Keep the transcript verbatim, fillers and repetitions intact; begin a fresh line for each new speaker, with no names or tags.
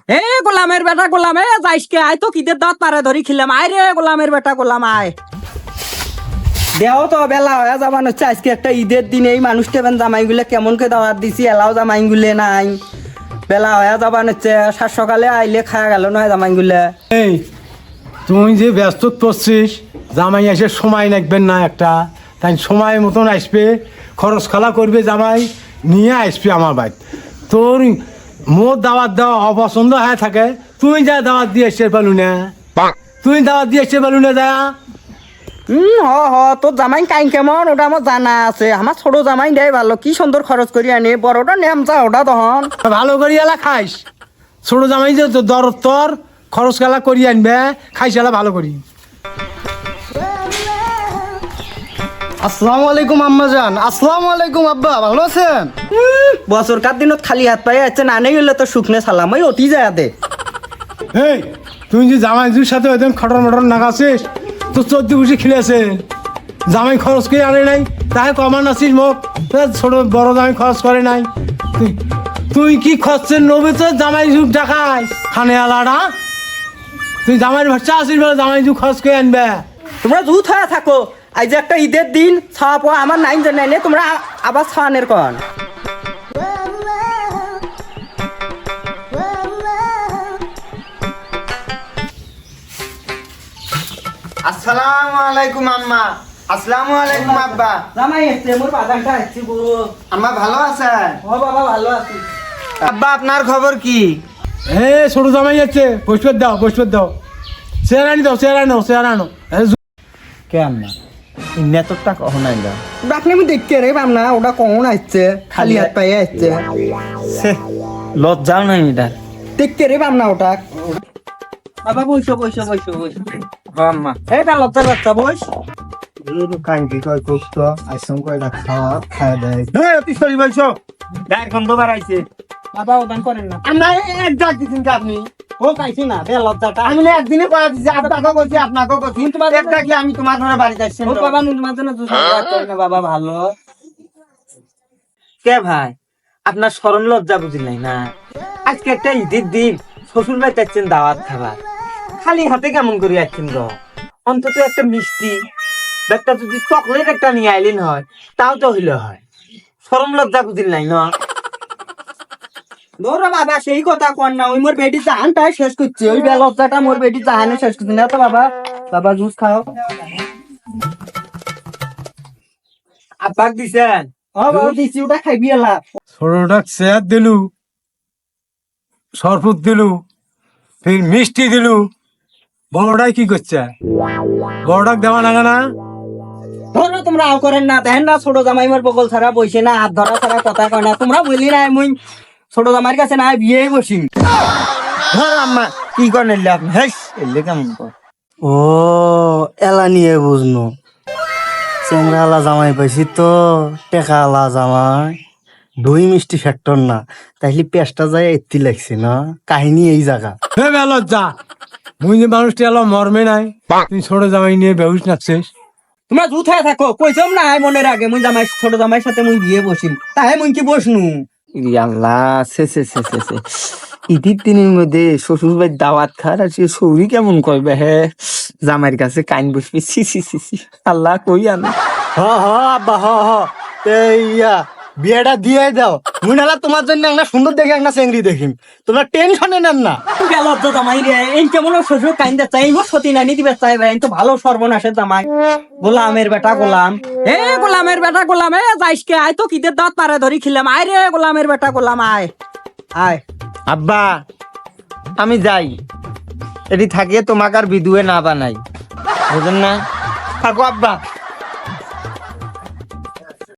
এ গোলামের বেটা গোলাম এ যাইসকে আয় তো কিদের দাঁত পারে ধরি খিলাম আয় রে গোলামের বেটা গোলাম আয় দেও তো বেলা হয়ে যাবান হচ্ছে আজকে একটা ঈদের দিন এই মানুষটা বেন জামাইগুলো কেমন করে দাওয়াত দিছি এলাও জামাইগুলো নাই বেলা হয়ে যাবান হচ্ছে সাত সকালে আইলে খাওয়া গেল নয় জামাইগুলো।
এই তুই যে ব্যস্ত পড়ছিস জামাই এসে সময় লাগবেন না একটা তাই সময় মতন আসবে খরচ খালা করবে জামাই নিয়ে আসবে আমার বাড়ি তোর মোর দাওয়াত দেওয়া অপছন্দ হয়ে থাকে তুই যা দাওয়াত দিয়ে এসে পালু না তুই দাওয়াত দিয়ে এসে পালু না যা
হুম হ হ তোর জামাই কাই কেমন ওটা আমার জানা আছে আমার ছোট জামাই দেয় ভালো কি সুন্দর খরচ করি আনি বড়টা নেম যা ওটা তখন
ভালো করি এলা খাইস ছোট জামাই যে দর তোর খরচ খেলা করি আনবে খাইস এলা ভালো করি।
আসসালামু আলাইকুম আম্মা জান। আসসালামু আলাইকুম আব্বা, ভালো আছেন?
বছর কার দিনত খালি হাত পায়ে আছে না নেই হলে তো শুকনে সালাম ওই অতি যায় দে।
এই তুই যে জামাইজুর সাথে ওইদিন খটর মটর নাগাছিস তো চোদ্দ বসে খেলেছে জামাই খরচ করে আনে নাই তাই কমান আছিস মোক ছোট বড় জামাই খরচ করে নাই তুই তুই কি খরচের নবে তো জামাই যুগ টাকায় খানে আলাদা তুই জামাইয়ের ভাষা আসিস বলে জামাই যুগ খরচ করে আনবে।
তোমরা জুত হয়ে থাকো আজ যে একটা ঈদের দিন ছাওয়া পাওয়া আমার নাইন জানাই নে তোমরা আ- আবার ছাওয়ানের কন
আসসালামু আলাইকুম আম্মা। আসসালামু আলাইকুম আব্বা।
জামাই এসছে মোর বাজারটা এসছি গুরু।
আম্মা ভালো আছেন?
ও বাবা ভালো আছি।
আব্বা আপনার খবর কি?
এ ছোট জামাই যাচ্ছে বসবে দাও বসবে দাও চেয়ার আনি দাও চেয়ার আনো চেয়ার আনো
কেন না নেতরটা কখন আইলা?
আপনি আমি দেখতে রে পাম না ওটা কখন আসছে খালি হাত পায়ে আসছে
লজ্জাও নাই এটা।
দেখতে রে পাম না ওটা বাবা বইসো বইসো বইসো বইসো আম্মা এই তা লজ্জার বাচ্চা বইস
কাঙ্কি কয় কুস্ত আইসম কয়টা খাওয়া খায় দেয়।
এই অতি সরি বলছো গায়ের গন্ধ বাড়াইছে
বাবা ওদান করেন না
আমরা এক ডাক দিচ্ছেন কি আপনি?
ও কাইছি না বে লজ্জাটা
আমি না একদিনে কয়া দিচ্ছি আপনাকেও করছি আপনাকেও করছি
তোমার-
এক ডাকলে আমি তোমার ঘরে বাড়িতে আসছি
ও বাবা নুন মাঝে না দুজন করে না বাবা ভালো কে ভাই আপনার শরম লজ্জা বুঝিলাই না আজকে একটা ঈদের দিন শ্বশুর ভাই চাচ্ছেন দাওয়াত খাবার খালি হাতে কেমন করে যাচ্ছেন গো অন্তত একটা মিষ্টি বা একটা যদি চকলেট একটা নিয়ে আইলেন হয় তাও তো হইলে হয় শরম লজ্জা বুঝিল নাই না ধরো বাবা সেই কথা কর না ওই মোর বেটি জাহানটাই শেষ করছে ওই বে লজ্জাটা মোর বেটি জাহানে শেষ করছে না তো বাবা বাবা জুস খাও আব্বাক দিছেন ও বাবা দিছি ওটা খাইবি এলা
ছোটটা চেয়ার দিলু সরপুত দিলু ফির মিষ্টি দিলু বড়টাই কি করছে বড়টাক দেওয়া লাগা না
ধরো তোমরা আও করেন না দেখেন না ছোট জামাই মোর বগল ছাড়া বইছে না হাত ধরা ছাড়া কথা কয় না তোমরা বললি না মুই ছোট জামাইয়ের কাছে না বিয়ে বসি
ধর আম্মা কি করেন এলে আপনি হেস এলে কেমন কর ও এলা নিয়ে বুঝনো চেংরা আলা জামাই পাইছি তো টেকা আলা জামাই দই মিষ্টি ফ্যাক্টর না তাইলে পেঁচটা যায় এত্তি লাগছে না কাহিনী এই জায়গা
হে বে লজ্জা মুই যে মানুষটি এলো মর্মে নাই তুই ছোট জামাই নিয়ে বেহুশ নাচছিস
তোমরা জুত হয়ে থাকো কইছম না মনের আগে মুই জামাই ছোট জামাইয়ের সাথে মুই বিয়ে বসিম তাহে মুই কি বসনু
ইরি আল্লাহ সে সে সে সে সে ঈদের দিনের মধ্যে শ্বশুর বাড়ির দাওয়াত খার আর সে সৌরি কেমন কইবে হে জামাইয়ের কাছে কাইন বসবে সি সি সি সি আল্লাহ কই আনে হ হ আব্বা হ হ ইয়া বিয়েটা দিয়ে দাও মুই নালা তোমার জন্য একটা সুন্দর দেখে একটা চেংড়ি দেখিম তোমরা টেনশনে নেন না
গেল তো জামাই রে এই কেমন শ্বশুর কাইন্দা চাই মোর সতী নানি দিবে চাই ভাই তো ভালো সর্বনাশের জামাই গোলামের বেটা গোলাম এ গোলামের বেটা গোলাম এ যাইসকে আয় তো কিদের দাঁত পারে ধরি খিলাম আয় রে গোলামের বেটা গোলাম আয় আয়
আব্বা আমি যাই এটি থাকিয়ে তোমাকে আর বিদুয়ে না বানাই বুঝেন না থাকো আব্বা।